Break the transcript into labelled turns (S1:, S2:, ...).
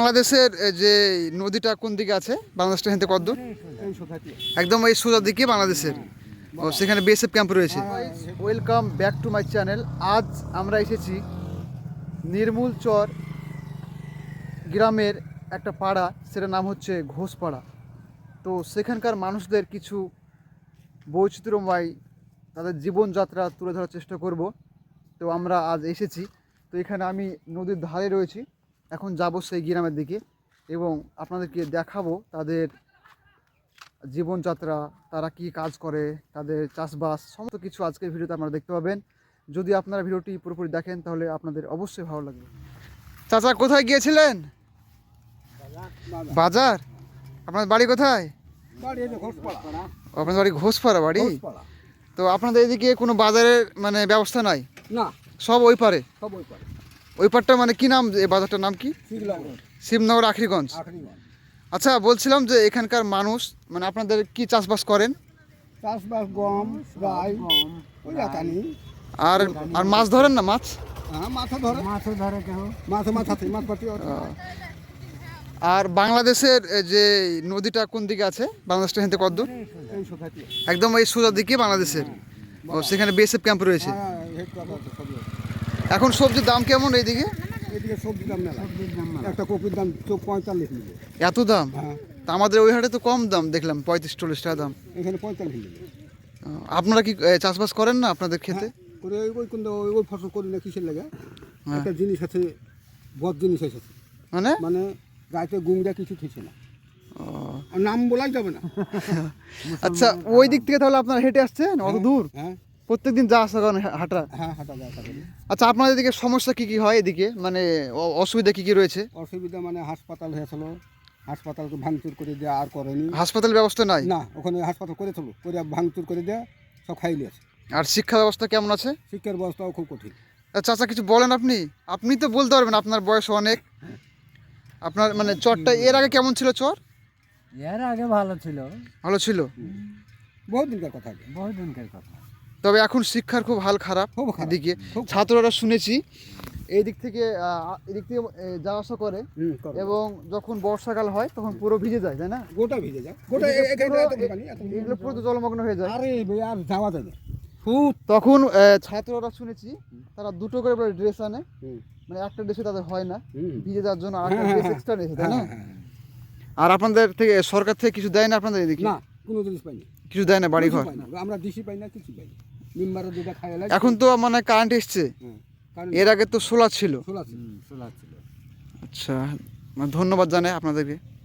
S1: বাংলাদেশের যে নদীটা কোন দিকে আছে? বাংলাদেশটা হেনতে কত দূর? একদম এই সোজা দিকে বাংলাদেশের। ও সেখানে বিএসএফ ক্যাম্প রয়েছে। Welcome back to my channel. আজ আমরা এসেছি নির্মূলচর গ্রামের একটা পাড়া, সেটার নাম হচ্ছে ঘোষপাড়া। তো সেখানকার মানুষদের কিছু বৈচিত্র্যময় তাদের জীবনযাত্রা তুলে ধরার চেষ্টা করব। তো আমরা আজ এসেছি, তো এখানে আমি নদীর ধারে রয়েছি। এখন যাব সেই গ্রামের দিকে এবং আপনাদেরকে দেখাবো তাদের জীবনযাত্রা, তারা কি কাজ করে, তাদের চাষবাস, সমস্ত কিছু আজকের ভিডিওতে আপনারা দেখতে পাবেন। যদি আপনারা ভিডিওটি পুরোপুরি দেখেন তাহলে আপনাদের অবশ্যই ভালো লাগবে। চাচা, কোথায় গিয়েছিলেন? বাজার। আপনাদের বাড়ি কোথায়? আপনাদের বাড়ি ঘোষপাড়া বাড়ি। তো আপনাদের এদিকে কোনো বাজারের মানে ব্যবস্থা নাই?
S2: না,
S1: সব ওই পারে।
S2: সব ওই পারে।
S1: ওই পারটা মানে কি নাম, এই বাজারটার নাম কি? শিবনগর আখরিগঞ্জ। আচ্ছা, বলছিলাম যে এখানকার মানুষ মানে আপনাদের কি চাষবাস করেন?
S2: চাষবাস গম, রাই, ওই একানি।
S1: আর আর মাছ ধরেন না? মাছ?
S2: হ্যাঁ, মাছও ধরে কেউ। মাছ পাতি।
S1: আর বাংলাদেশের যে নদীটা কোন দিকে আছে? বাংলাদেশটা হেনতে কত দূর?
S2: এই সোসাইটি।
S1: একদম এই সোজা দিকে বাংলাদেশের। ও সেখানে বিএসএফ ক্যাম্প রয়েছে। এখন সবজির দাম কেমন এইদিকে?
S2: এদিকে সবজির দাম মেলা। একটা কপির দাম 45 নিবে।
S1: এত দাম?
S2: হ্যাঁ।
S1: তা আমাদের ওই হাটে তো কম দাম দেখলাম, 35-40 টাকা দাম।
S2: এখানে 45 নিবে।
S1: আপনারা কি চাষবাস করেন না আপনাদের খেতে?
S2: করে ওই কোন ওই ফসল করি না, কিসের লাগে? একটা জিনিস আছে, বদ জিনিস আছে। মানে গাইতে গুংটা কিছু ঠিকছে না। আর নাম বলাই যাবে না।
S1: আচ্ছা, ওই দিক থেকে তাহলে আপনারা হেঁটে আসছেন অত দূর?
S2: হ্যাঁ,
S1: প্রত্যেকদিন যা আসা করেন হাঁটা?
S2: হ্যাঁ, হাঁটা যায় করি।
S1: আচ্ছা, আপনাদের এদিকে সমস্যা কি কি হয় এদিকে, মানে অসুবিধা কি কি রয়েছে?
S2: অসুবিধা মানে হাসপাতাল হয়েছিল, হাসপাতালকে ভাঙচুর করে দেওয়া আর করেনি।
S1: হাসপাতাল ব্যবস্থা নাই?
S2: না, ওখানে হাসপাতাল করেছিল, করে ভাঙচুর করে দেওয়া সব খাইলে আছে।
S1: আর শিক্ষা ব্যবস্থা কেমন আছে?
S2: শিক্ষার ব্যবস্থাও খুব কঠিন।
S1: চাচা, কিছু বলেন আপনি। আপনি তো বলতে পারবেন, আপনার বয়স অনেক। আপনার মানে চরটা এর আগে কেমন ছিল? চর
S3: এর আগে ভালো ছিল।
S1: ভালো ছিল?
S2: বহুত দিনকার কথা।
S3: বহুত দিনকার কথা।
S1: তবে এখন শিক্ষার খুব হাল খারাপ।
S2: খুব খারাপ।
S1: এদিকে ছাত্ররা শুনেছি এদিক থেকে যাওয়া আসা করে এবং যখন বর্ষাকাল হয় তখন পুরো ভিজে যায়, তাই না?
S2: গোটা ভিজে যায়,
S1: এগুলো পুরো তো জলমগ্ন হয়ে যায়।
S2: আরে আর যাওয়া যায় না।
S1: তখন ছাত্ররা শুনেছি তারা দুটো করে ড্রেস আনে, মানে একটা ড্রেসে তাদের হয় না, ভিজে যাওয়ার জন্য আরেকটা ড্রেস এক্সট্রা নিয়েছে, তাই না? আর আপনাদের থেকে সরকার থেকে কিছু দেয় না আপনাদের এদিকে?
S2: না, কোনো জিনিস পাই না।
S1: কিছু দেয় না? বাড়ি ঘর
S2: আমরা ডিসি পাই না, কিছু পাই না। মেম্বারের দুটো খাইলে
S1: এখন তো মানে কারেন্ট এসছে, এর আগে তো সোলার ছিল।
S2: সোলার ছিল।
S1: আচ্ছা, ধন্যবাদ জানাই আপনাদেরকে।